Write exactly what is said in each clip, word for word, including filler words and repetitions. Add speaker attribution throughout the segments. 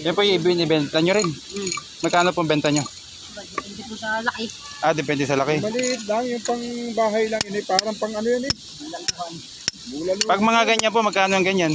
Speaker 1: Yan po yung ibinibenta nyo rin.
Speaker 2: Hmm.
Speaker 1: Magkano pong benta nyo?
Speaker 2: Depende po sa laki.
Speaker 1: Ah, depende sa laki.
Speaker 3: Maliit lang, yung pang bahay lang yun eh. Parang pang ano yun eh. Bulaluhan.
Speaker 1: Pag mga ganyan po, magkano ang ganyan?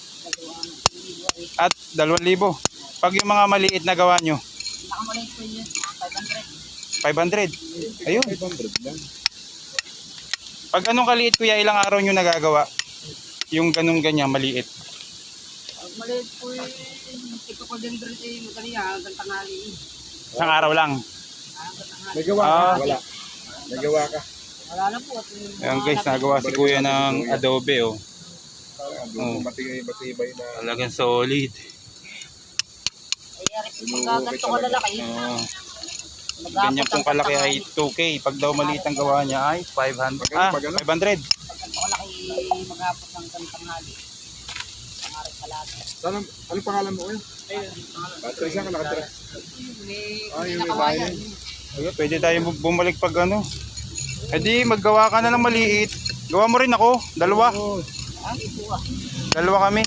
Speaker 1: At dalawang libo. Pag yung mga maliit na gawa nyo?
Speaker 2: Nakamaliit po yun. five hundred.
Speaker 1: five hundred. Ayun.
Speaker 3: five hundred lang.
Speaker 1: Pag anong kaliit kuya, ilang araw nyo nagagawa? Yung ganung ganyan, maliit.
Speaker 2: Pag maliit po yun, ito ko din dito eh. Madali ah, hanggang tanghali.
Speaker 1: Isang araw lang.
Speaker 2: Hanggang tanghali.
Speaker 3: May gawa ka?
Speaker 1: Ah.
Speaker 3: Wala. May gawa ka?
Speaker 2: Wala na po. At yung
Speaker 1: Ayan
Speaker 2: mga
Speaker 1: guys,
Speaker 2: labi-
Speaker 1: nagawa si kuya ng adobe oh.
Speaker 3: Doon matibay, matibay na.
Speaker 1: Talagang solid.
Speaker 2: Ay, yari po pagka ganito ko lalaki.
Speaker 1: Oh.
Speaker 2: Mag-aapot
Speaker 1: Ganyan pong
Speaker 2: ang
Speaker 1: kalaki ay
Speaker 2: tanghali.
Speaker 1: two K. Pag daw maliit ang gawa niya ay five hundred. Ah, five hundred.
Speaker 2: Pag ganito kalaki, mag-aapot ng tanghali. Pangarap kalaki.
Speaker 3: Saan, ano pangalan mo eh?
Speaker 2: Ayun, pangarap.
Speaker 3: Batra isang ka nakatira.
Speaker 2: May
Speaker 3: Ah, yung may
Speaker 2: nakawayan.
Speaker 1: Ayun, pwede tayo bu- bumalik pag ano. Eh di, maggawa ka na ng maliit. Gawa mo rin ako. Dalawa.
Speaker 3: Oo.
Speaker 2: Ah, ito ah.
Speaker 1: Dalawa kami.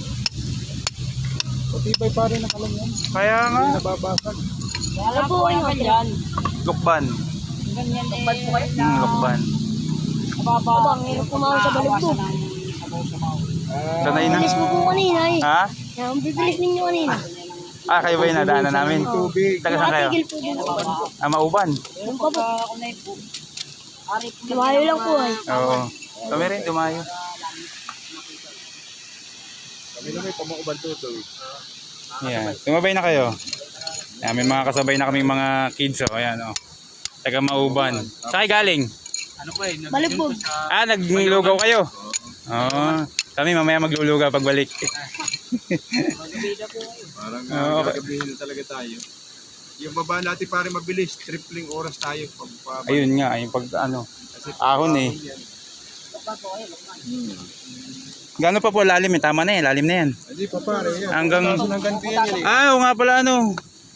Speaker 3: Matibay pa rin ang alam yan.
Speaker 1: Kaya nga.
Speaker 3: Hindi nababasag.
Speaker 2: Wala po kayo ganyan.
Speaker 1: Lukban.
Speaker 2: Ganyan eh. Lukban po kayo na.
Speaker 1: Hmm, lukban.
Speaker 2: Mababa. Ang hirap kumawa sa balog po.
Speaker 3: Ah,
Speaker 1: Sanay na.
Speaker 4: Bilis mo po kanina eh.
Speaker 1: Ha?
Speaker 4: Ang bibilis ninyo kanina.
Speaker 1: Ah, kayo ba yung nadaanan namin?
Speaker 3: tubig.
Speaker 1: Taga saan kayo?
Speaker 4: Nakatigil po dito.
Speaker 1: Ah, Mauban.
Speaker 2: Yung pa po. Ari po.
Speaker 4: Lumayo lang po ay.
Speaker 1: Oo. Kami rin, dumayo.
Speaker 3: Kami na may pamauban tuto eh.
Speaker 1: Yan. Tumabay na kayo. Yan, may mga kasabay na kaming mga kids. Oh. Ayan, oh. Taga Mauban. Saan kayo galing?
Speaker 4: Balibog.
Speaker 1: Ah, naglulugaw kayo? Oo. Kami mamaya maglulugaw pagbalik.
Speaker 3: Parang
Speaker 1: Ah,
Speaker 3: uh,
Speaker 1: okay.
Speaker 3: gagabihin na talaga tayo. Yung baba natin para mabilis, tripling oras tayo. Pag, pag,
Speaker 1: Ayun nga, yung pag ano.
Speaker 3: Kasi
Speaker 1: Ahon eh. Gano'n pa po lalim eh? Tama na eh, lalim na yan.
Speaker 3: Hindi pa pare yan.
Speaker 1: Hanggang...
Speaker 3: Hanggang ganyan yan eh.
Speaker 1: Ah, oo nga pala ano.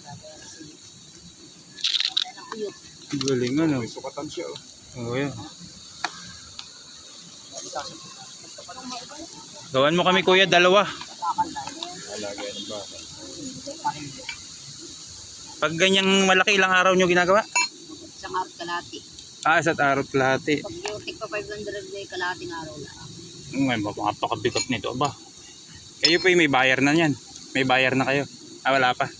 Speaker 1: Galing ano.
Speaker 3: May sukatan siya oh.
Speaker 1: Oo yan. Gawan mo kami kuya, dalawa.
Speaker 3: Lagay ng baka.
Speaker 1: Pag ganyang malaki, ilang araw nyo ginagawa?
Speaker 2: Isang araw kalati.
Speaker 1: Ah, isa't araw kalahati.
Speaker 2: Pag yung tig pa five hundred day kalating araw na.
Speaker 1: Ngayon, mapakabigat nito ba? Kayo po may bayar na yan. May bayar na kayo. Ah, wala pa.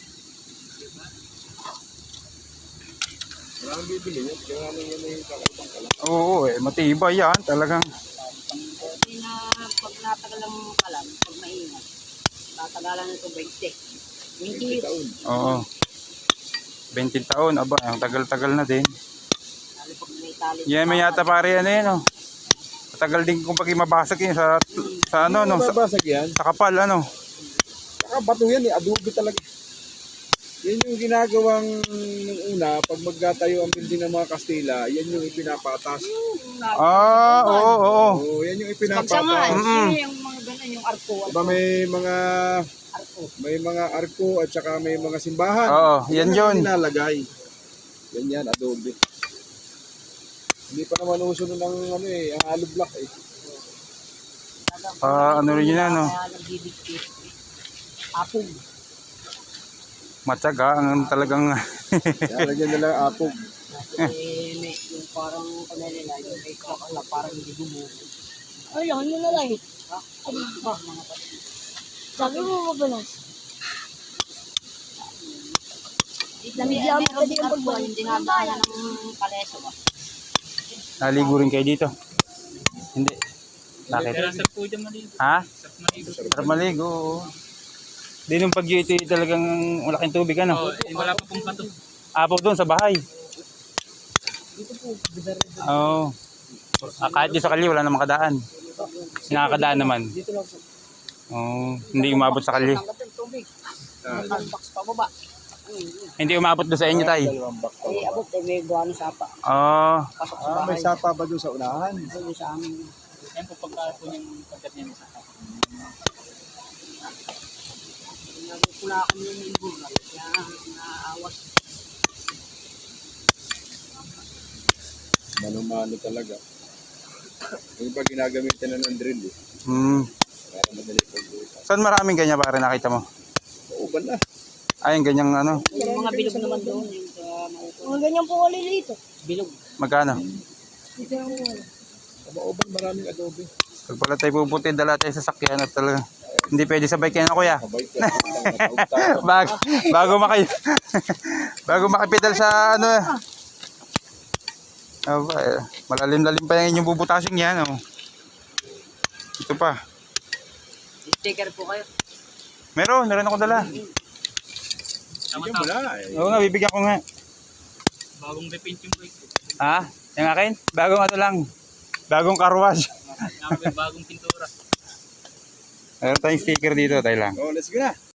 Speaker 3: Wala nang bibili yun. Kaya nga nang yun yung kakaibang kalang.
Speaker 1: Oo, eh, matibay yan. Talagang.
Speaker 2: Kasi na pag natagal ang kalam, pag maingat, tatagalan nito twenty. twenty years.
Speaker 3: Taon.
Speaker 1: Oo. twenty taon. Aba, ang tagal-tagal na din.
Speaker 2: Lalo pag may tali.
Speaker 1: Yan, may yata pare ano yun, oh. Matagal din kung pag mabasag yun sa, sa ano, no, sa,
Speaker 3: Babasag yan.
Speaker 1: sa kapal, ano.
Speaker 3: Saka bato yan eh. Adobe talaga. Yan yung ginagawang nung una, pag magtatayo ang building ng mga Kastila, yan yung ipinapatas.
Speaker 1: Ah, oo, oo, oo.
Speaker 3: Oo, yan yung
Speaker 2: Pagsangan,
Speaker 3: ipinapatas.
Speaker 1: Mm-mm.
Speaker 2: yun yung mga ganun, yung arko.
Speaker 3: Diba may mga
Speaker 2: Arko.
Speaker 3: may mga arko at saka may mga simbahan.
Speaker 1: Oo, yan
Speaker 3: ang
Speaker 1: yun.
Speaker 3: Nilalagay. Yan yan, adobe. Hindi pa naman uso nun ng ano eh, ang hollow block eh.
Speaker 1: Ah, ano rin yun, ano.
Speaker 2: Kaya nagbibigkit. Apog.
Speaker 1: Matyaga, ang talagang,
Speaker 3: Kaya lagyan nila apog.
Speaker 2: Eh, may, yung parang kanila, yung may crack na parang hindi gumugo.
Speaker 4: Ay, ano na lang eh.
Speaker 2: Ha? Ano ba? Mga pati.
Speaker 4: Sabi mo mabalas.
Speaker 2: Namigyan
Speaker 4: mo pwede yung pagbalik.
Speaker 2: Yung dinadaanan ng kaleso ba?
Speaker 1: naligo rin kayo dito. Hindi. Bakit? Ha? Sarap maligo, oo. Di nung pag ito talagang malaking tubig, ano?
Speaker 5: Wala pa pong pato.
Speaker 1: Apaw doon sa bahay. Oo. Ah, kahit di sa kali, wala na makadaan. Nakakadaan naman. Oo. Hindi umabot sa kali.
Speaker 2: Tanggap yung tubig. Ang box pa baba.
Speaker 1: Hindi umabot doon sa inyo, tay.
Speaker 3: Dalawang box.
Speaker 2: Eh, abot, eh, may gawa ng sapa.
Speaker 1: Oo.
Speaker 2: Pasok sa
Speaker 3: Ah, may
Speaker 2: bahay.
Speaker 3: sapa ba doon sa unahan?
Speaker 2: Doon sa amin.
Speaker 5: Yan po pagka po yung pagkat niya sa
Speaker 2: Nagpula kami yung ilbog. Kaya naawas.
Speaker 3: Mano-mano talaga. Yung pag ginagamitan na ng drill eh.
Speaker 1: Hmm.
Speaker 3: Para madali pag-uusap.
Speaker 1: Saan maraming ganyan para nakita mo?
Speaker 3: Oo, Mauuban na.
Speaker 1: Ay, yung ganyang ano.
Speaker 2: Yung mga bilog naman doon, yung sa maupo.
Speaker 4: Mga ganyan po kalilito.
Speaker 2: Bilog.
Speaker 1: Magkano?
Speaker 4: Dito lang po wala.
Speaker 3: Sa Mauuban maraming adobe.
Speaker 1: Pag pala tayo pupunti, dala tayo sa sakyan at talaga. Hindi pwede sabay kayo na kuya.
Speaker 3: Mabait ka. Matawag tayo.
Speaker 1: Bago, bago maki bago makipedal sa ano. Aba, eh, malalim-lalim pa yung inyong bubutasin yan. Oh. Ito pa.
Speaker 2: Sticker po kayo.
Speaker 1: Meron, meron ako dala.
Speaker 5: Tama
Speaker 3: Bigyan mo
Speaker 5: tama.
Speaker 3: na. eh.
Speaker 1: Oo nga, bibigyan ko nga.
Speaker 5: Bagong repaint yung bike.
Speaker 1: Ha? Yung akin? Bagong ano lang. Bagong carwash.
Speaker 5: Nakapag bagong pintura.
Speaker 1: Meron tayong sticker dito, tayo lang.
Speaker 3: Oh, let's go na.